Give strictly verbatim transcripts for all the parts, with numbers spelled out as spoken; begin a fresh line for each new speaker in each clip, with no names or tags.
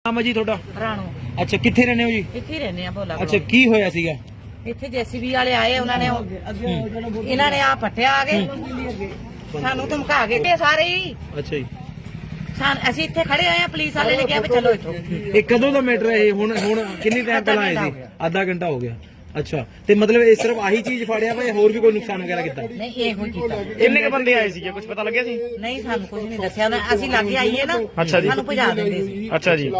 ਨਾਮ ਹੈ ਜੀ ਤੁਹਾਡਾ?
ਰਾਣੋ।
ਅੱਛਾ, ਕਿੱਥੇ ਰਹਿੰਦੇ ਹੋ ਜੀ?
ਇੱਥੇ ਹੀ ਰਹਿੰਦੇ ਆ ਭੋਲਾ।
ਅੱਛਾ, ਕੀ ਹੋਇਆ ਸੀਗਾ
ਇੱਥੇ ਜੇਸੀਬੀ ਵਾਲੇ ਆਏ, ਉਹਨਾਂ ਨੇ ਇਹਨਾਂ ਨੇ ਆ ਪੱਟਿਆ ਆ ਗਏ, ਸਾਨੂੰ ਧਮਕਾ ਕੇ ਤੇ ਸਾਰੇ ਹੀ।
ਅੱਛਾ ਜੀ,
ਸਾਨ ਅਸੀਂ ਇੱਥੇ ਖੜੇ ਹੋਏ ਆ, ਪੁਲਿਸ ਵਾਲੇ ਨੇ ਕਿਹਾ ਵੀ ਚਲੋ ਇੱਥੋਂ।
ਇਹ ਕਦੋਂ ਦਾ ਮੈਟਰ ਹੈ ਇਹ? ਹੁਣ ਹੁਣ ਕਿੰਨੀ ਟਾਈਮ ਪਹਿਲਾਂ ਆਏ ਸੀ? ਅੱਧਾ ਘੰਟਾ ਹੋ ਗਿਆ। ਅੱਛਾ, ਤੇ ਮਤਲਬ ਇਹ ਸਿਰਫ ਆਹੀ ਚੀਜ਼ ਫੜਿਆ ਵਾ ਜਾਂ ਹੋਰ ਵੀ ਕੋਈ ਨੁਕਸਾਨ ਵਗੈਰਾ ਕੀਤਾ?
ਨਹੀਂ, ਇਹ ਕੋਈ ਕੀਤਾ।
ਕਿੰਨੇ ਕ ਬੰਦੇ ਆਏ ਸੀਗੇ, ਕੁਝ ਪਤਾ ਲੱਗਿਆ ਸੀ?
ਨਹੀਂ, ਸਾਨੂੰ ਕੁਝ ਨਹੀਂ ਦੱਸਿਆ ਉਹਨਾਂ। ਅਸੀਂ ਲਾਗੇ ਆਈਏ ਨਾ,
ਅੱਛਾ ਜੀ।
ਸਾਨੂੰ ਭਜਾ ਦਿੰਦੇ ਸੀ।
ਅੱਛਾ ਜੀ,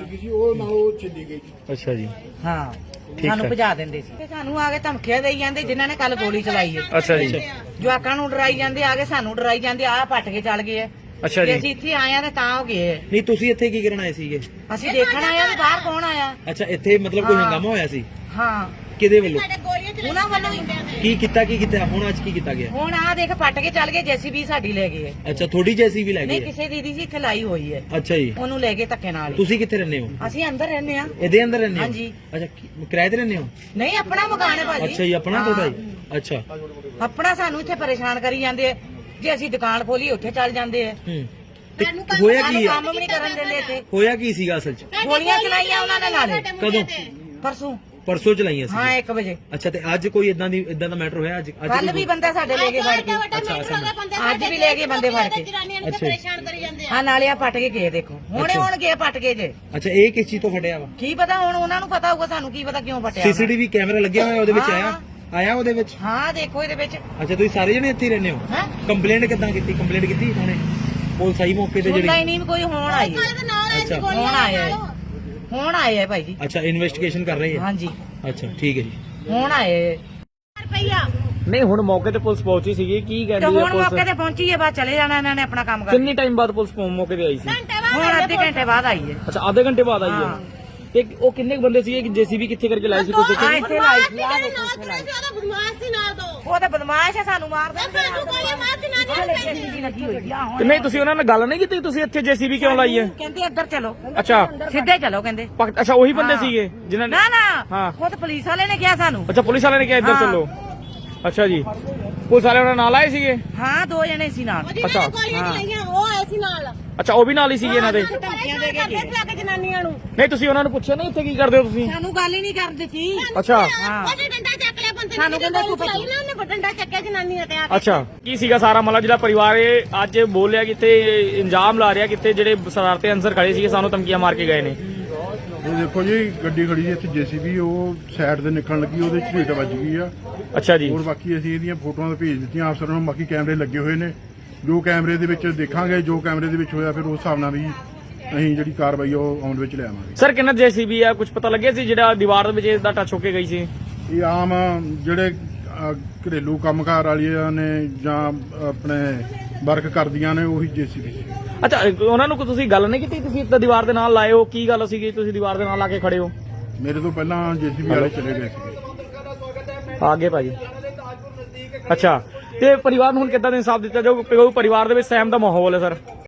ਹਾਂ
ਅੱਛਾ ਜੀ,
ਹਾਂ,
ਠੀਕ
ਸਾਨੂੰ
ਹੈ।
ਭਜਾ ਦਿੰਦੇ ਸੀ। ਤੇ ਸਾਨੂੰ ਆ ਕੇ ਧਮਕੀਆਂ ਦੇਈ ਜਾਂਦੇ, ਜਿਨ੍ਹਾਂ ਨੇ ਕੱਲ ਗੋਲੀ ਚਲਾਈ ਹੈ।
ਅੱਛਾ ਜੀ,
ਜਵਾਕਾਂ ਨੂੰ ਡਰਾਈ ਜਾਂਦੇ, ਆ ਕੇ ਸਾਨੂੰ ਡਰਾਈ ਜਾਂਦੇ, ਆਹ ਪੱਟ ਕੇ ਚੱਲ ਗਏ।
ਅੱਛਾ
ਤੇ
ਜੀ।
ਅਸੀਂ ਇੱਥੇ ਆਏ ਆ ਤੇ ਤਾਂ ਹੋ ਗਏ।
ਨਹੀਂ, ਤੁਸੀਂ ਇੱਥੇ ਕੀ ਕਰਨ ਆਏ ਸੀਗੇ?
ਅਸੀਂ ਦੇਖਣ ਆਏ ਆ ਵੀ ਬਾਹਰ ਕੌਣ ਆਇਆ।
ਅੱਛਾ, ਇੱਥੇ ਮਤਲਬ ਕੋਈ
ਹਾਂ।
ਹੰਗਾਮਾ ਹੋਇਆ ਸੀ?
ਹਾਂ,
ਕਿਹਦੇ ਵੱਲੋਂ?
ਉਹਨਾਂ ਵੱਲੋਂ ਹੀ।
ਕੀ ਕੀਤਾ ਕੀ ਕੀਤਾ ਹੁਣ ਅੱਜ ਕੀ ਕੀਤਾ ਗਿਆ?
ਹੁਣ ਆਹ ਦੇਖ ਪੱਟ ਕੇ ਚੱਲ ਗਏ, ਜੇਸੀਬੀ ਸਾਡੀ ਲੈ ਗਏ।
ਅੱਛਾ, ਥੋੜੀ ਜੈਸੀ ਵੀ ਲੈ
ਨਹੀਂ,
ਗਈ ਹੈ?
ਕਿਸੇ ਦੀਦੀ ਜੀ ਇੱਥੇ ਲਾਈ ਹੋਈ ਹੈ,
ਅੱਛਾ ਜੀ,
ਉਹਨੂੰ ਲੈ ਕੇ ਧੱਕੇ ਨਾਲ ਹੀ।
ਤੁਸੀਂ ਕਿੱਥੇ ਰਹਿੰਦੇ ਹੋ?
ਅਸੀਂ ਅੰਦਰ ਰਹਿੰਦੇ ਆ।
ਇਹਦੇ ਅੰਦਰ ਰਹਿੰਦੇ ਹੋ?
ਹਾਂਜੀ।
ਅੱਛਾ, ਕੀ- ਕਿਰਾਏ ਤੇ ਰਹਿੰਦੇ ਹੋ?
ਨਹੀਂ, ਆਪਣਾ ਮਕਾਨ ਹੈ ਭਾਜੀ।
ਅੱਛਾ ਜੀ, ਆਪਣਾ
ਹਾਂ।
ਤੁਹਾਡਾ ਜੀ? ਅੱਛਾ।
ਆਪਣਾ ਸਾਨੂੰ ਇੱਥੇ ਪਰੇਸ਼ਾਨ ਕਰੀ ਜਾਂਦੇ ਆ। ਜੇ ਅਸੀਂ ਦੁਕਾਨ ਖੋਲੀ ਉੱਥੇ ਚੱਲ ਜਾਂਦੇ ਆ।
ਹੂੰ, ਤੇ ਹੋਇਆ ਕੀ
ਸਾਨੂੰ
ਹੈ?
ਕੰਮ ਵੀ ਨਹੀਂ ਕਰਨ ਦਿੰਦੇ ਇੱਥੇ।
ਹੋਇਆ ਕੀ ਸੀਗਾ ਅਸਲ ਚ?
ਗੋਲੀਆਂ ਚਲਾਈਆਂ ਉਹਨਾਂ ਨੇ ਨਾਲੇ
ਕਦੋਂ?
ਪਰਸੋਂ।
ਪਰਸੋਂ ਚਲਾਈਆਂ ਸੀ?
ਹਾਂ, ਇੱਕ ਵਜੇ।
ਅੱਛਾ, ਤੇ ਅੱਜ ਕੋਈ ਇਦਾਂ ਦੀ ਇਦਾਂ ਦਾ ਮੈਟਰ ਹੋਇਆ ਅੱਜ? ਅੱਜ
ਕੱਲ
ਕੋਈ-
ਵੀ ਬੰਦਾ ਸਾਡੇ ਲੈ ਕੇ ਫੜ ਕੇ। ਅੱਜ ਵੀ ਲੈ ਕੇ ਬੰਦੇ ਫੜ ਕੇ।
ਅੱਛਾ
ਹਾਂ, ਨਾਲੇ ਆ ਪੱਟ ਕੇ ਗਏ, ਦੇਖੋ ਹੁਣੇ ਹੁਣ ਗਏ ਪੱਟ ਕੇ ਜੇ।
ਅੱਛਾ, ਇਹ ਕਿਸ ਚੀਜ਼ ਤੋਂ ਫਟਿਆ ਵਾ?
ਕੀ ਪਤਾ, ਹੁਣ ਉਹਨਾਂ ਨੂੰ ਪਤਾ ਹੋਊਗਾ, ਸਾਨੂੰ ਕੀ ਪਤਾ ਕਿਉਂ ਪੱਟਿਆ।
ਸੀਸੀਟੀਵੀ ਕੈਮਰਾ ਲੱਗਿਆ ਹੋਇਆ ਉਹਦੇ ਵਿੱਚ?
ਹਾਂ।
ਆਇਆ ਆਇਆ ਉਹਦੇ ਵਿੱਚ?
ਹਾਂ, ਦੇਖੋ ਇਹਦੇ ਵਿੱਚ।
ਅੱਛਾ, ਤੁਸੀਂ ਸਾਰੇ ਜਣੇ ਇੱਥੇ ਹੀ ਰਹਿੰਦੇ ਹੋ?
ਹੈ
ਕੰਪਲੇਂਟ ਕਿੱਦਾਂ ਕੀਤੀ? ਕੰਪਲੇਂਟ ਕੀਤੀ ਹੁਣੇ? ਪੁਲਿਸ ਆਈ ਮੌਕੇ ਤੇ
ਸੁਣਦਾ ਹੀ
ਜਿਹੜੀ?
ਨਹੀਂ ਕੋਈ। ਹੁਣ ਆਈ ਹੈ।
ਅੱਛਾ
ਹੁਣ ਆਇਆ ਹੈ। ਹੁਣ ਆਇਆ ਹੈ ਭਾਈ ਜੀ।
ਅੱਛਾ, ਇਨਵੈਸਟੀਗੇਸ਼ਨ ਕਰ ਰਹੀ ਹੈ?
ਹਾਂਜੀ,
ਅੱਛਾ, ਠੀਕ ਹੈ ਜੀ।
ਹੁਣ ਆਏ
ਨਹੀਂ ਹੁਣ ਮੌਕੇ ਤੇ ਪੁਲਿਸ ਪਹੁੰਚੀ ਸੀਗੀ, ਕੀ
ਤੇ
ਕਹਿੰਦੀ ਹੈ
ਹੁਣ ਮੌਕੇ
ਪੁਲਿਸ?
ਤੇ ਪਹੁੰਚੀ ਹੈ, ਬਾਅਦ ਚਲੇ ਜਾਣਾ ਇਹਨਾਂ ਨੇ ਆਪਣਾ ਕੰਮ ਕਰ।
ਕਿੰਨੀ ਟਾਈਮ ਬਾਅਦ ਪੁਲਿਸ ਮੌਕੇ ਤੇ ਆਈ ਸੀ?
ਹੁਣ ਅੱਧੇ ਘੰਟੇ ਬਾਅਦ ਆਈ ਹੈ।
ਅੱਛਾ, ਆਧੇ ਘੰਟੇ ਬਾਅਦ ਆਈ ਹੈ।
ਹਾਂ।
ਤੇ ਉਹ ਕਿੰਨੇ ਕੁ ਬੰਦੇ ਸੀਗੇ? ਜੇਸੀਬੀ ਕਿੱਥੇ ਕਰਕੇ ਲਾਈ ਸੀ? ਕੁਝ
ਆ
ਦੇਖਿਆ?
ਇੱਥੇ ਲਾਈ ਸੀ, ਆਹ ਦੇਖੋ ਇੱਥੇ ਲਾਈ। ਉਹ ਤਾਂ ਬਦਮਾਸ਼ ਹੈ, ਸਾਨੂੰ ਮਾਰਦਾ। ਲੱਗੀ ਹੋਈ ਆ
ਤੇ ਨਹੀਂ, ਤੁਸੀਂ ਉਹਨਾਂ ਨਾਲ ਗੱਲ ਨਹੀਂ ਕੀਤੀ? ਤੁਸੀਂ ਇੱਥੇ ਜੇਸੀਬੀ ਕਿਉਂ ਲਾਈ ਹੈ?
ਕਹਿੰਦੇ ਇੱਧਰ ਚਲੋ,
ਅੱਛਾ
ਸਿੱਧੇ ਚਲੋ ਕਹਿੰਦੇ।
ਪਕ- ਅੱਛਾ, ਉਹੀ ਬੰਦੇ
ਹਾਂ।
ਸੀਗੇ ਜਿਨ੍ਹਾਂ ਨੇ?
ਨਾ ਨਾ,
ਹਾਂ।
ਖੁਦ ਪੁਲਿਸ ਵਾਲੇ ਨੇ ਕਿਹਾ ਸਾਨੂੰ।
ਅੱਛਾ, ਪੁਲਿਸ ਵਾਲਿਆਂ ਨੇ ਕਿਹਾ ਇੱਧਰ
ਹਾਂ।
ਚੱਲੋ। ਅੱਛਾ ਜੀ, ਪੁਲਿਸ ਵਾਲੇ ਉਹਨਾਂ ਨਾਲ ਆਏ ਸੀਗੇ?
ਹਾਂ, ਦੋ ਜਣੇ ਸੀ ਨਾਲ।
ਅੱਛਾ
ਉਹ ਆਏ ਸੀ ਨਾਲ।
ਅੱਛਾ, ਉਹ ਵੀ ਨਾਲ ਹੀ ਸੀਗੇ ਇਹਨਾਂ ਦੇ?
ਧਮਕੀਆਂ ਦੇ ਕੇ ਗਏ।
ਜਨਾਨੀਆਂ ਨੂੰ
ਨਹੀਂ, ਤੁਸੀਂ ਉਹਨਾਂ ਨੂੰ ਪੁੱਛਿਆ ਨਹੀਂ ਇੱਥੇ ਕੀ ਕਰਦੇ ਹੋ ਤੁਸੀਂ?
ਸਾਨੂੰ ਗੱਲ ਹੀ ਨਹੀਂ ਕਰਦੇ ਸੀ।
ਅੱਛਾ
ਹਾਂ,
ਉਹਨੇ ਡੰਡਾ ਚੱਕ ਲਿਆ ਬੰਦੇ
ਸਾਨੂੰ ਕਹਿੰਦਾ ਤੂੰ ਭੱਜ।
ਉਹਨੇ ਡੰਡਾ ਚੱਕਿਆ ਜਨਾਨੀਆਂ ਤੇ ਆ ਕੇ।
ਅੱਛਾ, ਕੀ ਸੀਗਾ ਸਾਰਾ ਮਾਮਲਾ ਜਿਹੜਾ ਪਰਿਵਾਰ ਇਹ ਅੱਜ ਬੋਲਿਆ ਕਿ ਇੱਥੇ ਇੰਜਾਮ ਲਾ ਰਿਹਾ ਕਿ ਇੱਥੇ ਜਿਹੜੇ ਸ਼ਰਾਰਤੀ ਅਨਸਰ ਖੜੇ ਸੀਗੇ ਸਾਨੂੰ ਧਮਕੀਆਂ ਮਾਰ ਕੇ ਗਏ ਨੇ?
ਇਹ ਦੇਖੋ ਜੀ, ਗੱਡੀ ਖੜੀ ਹੈ ਇੱਥੇ ਜੇਸੀਬੀ, ਉਹ ਸਾਈਡ ਤੇ ਨਿਕਲਣ ਲੱਗੀ, ਉਹਦੇ ਚ ਢੇਟ ਵੱਜ ਗਈ ਆ।
ਅੱਛਾ ਜੀ,
ਹੋਰ ਬਾਕੀ ਅਸੀਂ ਇਹਦੀਆਂ ਫੋਟੋਆਂ ਤਾਂ ਭੇਜ ਦਿੱਤੀਆਂ ਅਫਸਰਾਂ ਨੂੰ। ਬਾਕੀ ਕੈਮਰੇ ਲੱਗੇ ਹੋਏ ਨੇ, ਜੋ ਕੈਮਰੇ ਦੇ ਵਿੱਚ ਦੇਖਾਂਗੇ, ਜੋ ਕੈਮਰੇ ਦੇ ਵਿੱਚ ਹੋਇਆ ਫਿਰ ਉਸ ਹਿਸਾਬ ਨਾਲ ਵੀ ਅਸੀਂ ਜਿਹੜੀ ਕਾਰਵਾਈ ਉਹ ਅਮਲ ਵਿੱਚ ਲਿਆਵਾਂਗੇ।
ਸਰ ਕਿੰਨਾ ਜੇਸੀਬੀ ਆ? ਕੁਝ ਪਤਾ ਲੱਗਿਆ ਸੀ ਜਿਹੜਾ ਦੀਵਾਰ ਦੇ ਵਿੱਚ ਇਹਦਾ ਟੱਚ ਹੋ ਕੇ ਗਈ ਸੀ?
ਇਹ ਆਮ ਜਿਹੜੇ ਅਹ, ਘਰੇਲੂ ਕੰਮਕਾਰ ਵਾਲੀਆਂ ਨੇ ਜਾਂ ਆਪਣੇ ਵਰਕ ਕਰਦੀਆਂ ਨੇ, ਉਹੀ ਜੇਸੀਬੀ ਸੀ।
ਅੱਛਾ, ਉਹਨਾਂ ਨੂੰ ਕੋਈ ਤੁਸੀਂ ਗੱਲ ਨਹੀਂ ਕੀਤੀ? ਤੁਸੀਂ ਇੱਦਾਂ ਦੀਵਾਰ ਦੇ ਨਾਲ ਲਾਏ ਹੋ, ਕੀ ਗੱਲ ਸੀਗੀ ਤੁਸੀਂ ਦੀਵਾਰ ਦੇ ਨਾਲ ਲਾ ਕੇ ਖੜੇ ਹੋ?
ਮੇਰੇ ਤੋਂ ਪਹਿਲਾਂ ਜੇਸੀਬੀ ਵਾਲੇ ਚਲੇ ਗਏ ਸੀਗੇ।
ਆਗੇ ਭਾਜੀ। ਅੱਛਾ, ਤੇ ਪਰਿਵਾਰ ਨੂੰ ਹੁਣ ਕਿੱਦਾਂ ਦਾ ਇਨਸਾਫ ਦਿੱਤਾ ਜਾਊ? ਪਰਿਵਾਰ ਦੇ ਵਿੱਚ ਸਹਿਮ ਦਾ ਮਾਹੌਲ ਹੈ ਸਰ?